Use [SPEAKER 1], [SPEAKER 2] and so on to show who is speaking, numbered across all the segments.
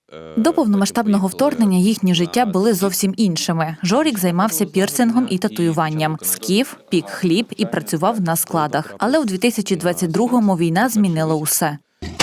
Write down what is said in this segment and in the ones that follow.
[SPEAKER 1] До повномасштабного вторгнення їхні життя були зовсім іншими. Жорік займався пірсингом і татуюванням. Скіф пік хліб і працював на складах. Але у 2022-му війна змінила усе.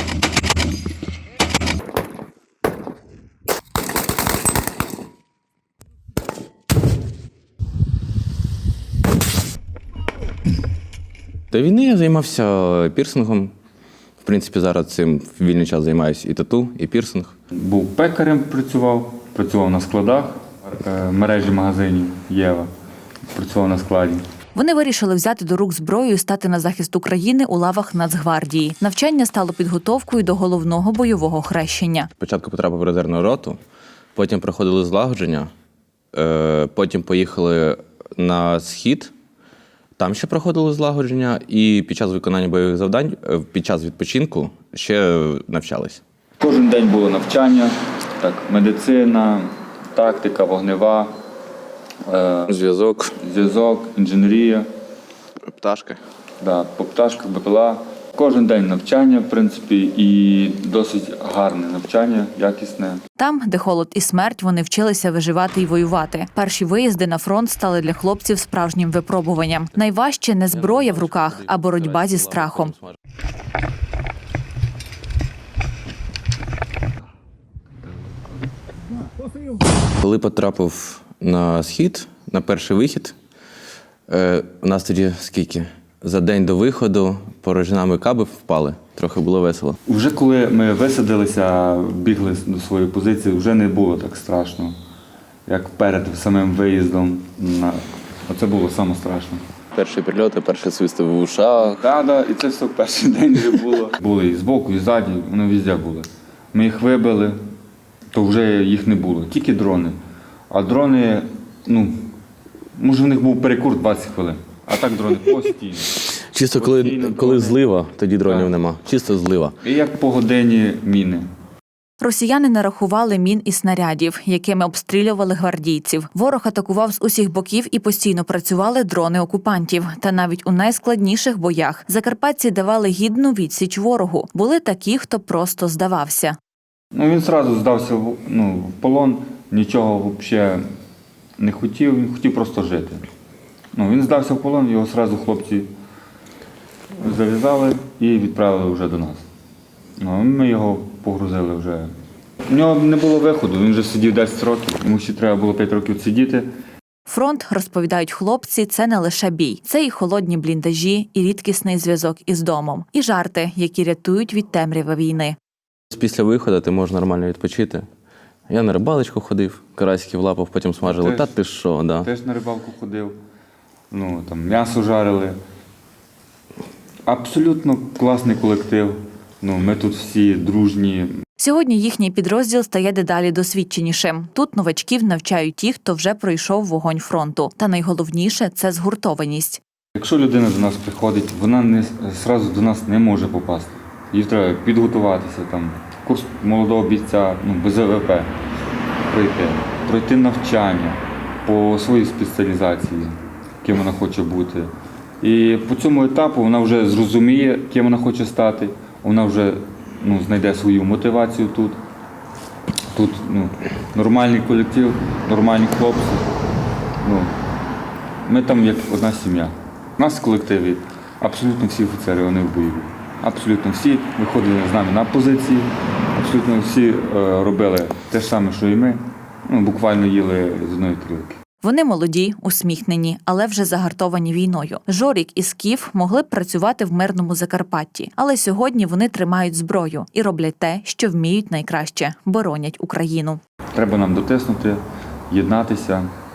[SPEAKER 2] До війни я займався пірсингом. В принципі, зараз цим в вільний час займаюся і тату, і пірсинг.
[SPEAKER 3] Був пекарем, працював на складах мережі магазинів «Єва», працював на складі.
[SPEAKER 1] Вони вирішили взяти до рук зброю і стати на захист України у лавах Нацгвардії. Навчання стало підготовкою до головного бойового хрещення.
[SPEAKER 2] Спочатку потрапив в резервну роту, потім проходили злагодження, потім поїхали на схід, там ще проходили злагодження, і під час виконання бойових завдань, під час відпочинку ще навчались.
[SPEAKER 3] Кожен день було навчання, так, медицина, тактика, вогнева,
[SPEAKER 2] Зв'язок,
[SPEAKER 3] інженерія.
[SPEAKER 2] пташки.
[SPEAKER 3] Да, по пташках, БПЛА. Кожен день навчання, в принципі, і досить гарне навчання, якісне.
[SPEAKER 1] Там, де холод і смерть, вони вчилися виживати і воювати. Перші виїзди на фронт стали для хлопців справжнім випробуванням. Найважче не зброя в руках, а боротьба зі страхом.
[SPEAKER 2] Коли потрапив на схід, на перший вихід, у нас тоді скільки? За день до виходу порожнами каби впали. Трохи було весело.
[SPEAKER 3] Вже коли ми висадилися, бігли до своєї позиції, вже не було так страшно, як перед самим виїздом. Оце було саме страшно.
[SPEAKER 2] Перші прильоти, перші свисти в ушах.
[SPEAKER 3] Так, і це все в перший день вже було. Були і збоку, і ззаді, вони везде були. Ми їх вибили, то вже їх не було, тільки дрони. А дрони, може в них був перекур 20 хвилин, а так дрони постійно.
[SPEAKER 2] Чисто коли злива, тоді дронів нема. Чисто злива.
[SPEAKER 3] І як по годині міни.
[SPEAKER 1] Росіяни нарахували мін і снарядів, якими обстрілювали гвардійців. Ворог атакував з усіх боків і постійно працювали дрони окупантів. Та навіть у найскладніших боях закарпатці давали гідну відсіч ворогу. Були такі, хто просто здавався.
[SPEAKER 3] Він одразу здався в полон, нічого взагалі не хотів, він хотів просто жити. Він здався в полон, його одразу хлопці зав'язали і відправили вже до нас. Ми його погрузили вже. У нього не було виходу, він вже сидів 10 років, йому ще треба було 5 років сидіти.
[SPEAKER 1] Фронт, розповідають хлопці, це не лише бій. Це і холодні бліндажі, і рідкісний зв'язок із домом, і жарти, які рятують від темряви війни.
[SPEAKER 2] Після виходу ти можеш нормально відпочити. Я на рибалочку ходив, карасиків лапав, потім смажили. Та ти що, да.
[SPEAKER 3] Теж на рибалку ходив, там м'ясо жарили. Абсолютно класний колектив. Ми тут всі дружні.
[SPEAKER 1] Сьогодні їхній підрозділ стає дедалі досвідченішим. Тут новачків навчають ті, хто вже пройшов вогонь фронту. Та найголовніше – це згуртованість.
[SPEAKER 3] Якщо людина до нас приходить, вона одразу до нас не може попасти. Їй треба підготуватися, курс молодого бійця, без ВВП пройти навчання по своїй спеціалізації, ким вона хоче бути. І по цьому етапу вона вже зрозуміє, ким вона хоче стати, вона вже знайде свою мотивацію тут. Тут нормальний колектив, нормальні хлопці. Ми там як одна сім'я. У нас в колективі абсолютно всі офіцери, вони в бойові. Абсолютно всі виходили з нами на позиції, абсолютно всі робили те ж саме, що і ми. Буквально їли з одної тарілки.
[SPEAKER 1] Вони молоді, усміхнені, але вже загартовані війною. Жорік і Скіф могли б працювати в мирному Закарпатті. Але сьогодні вони тримають зброю і роблять те, що вміють найкраще – боронять Україну.
[SPEAKER 3] Треба нам дотиснути, єднатися.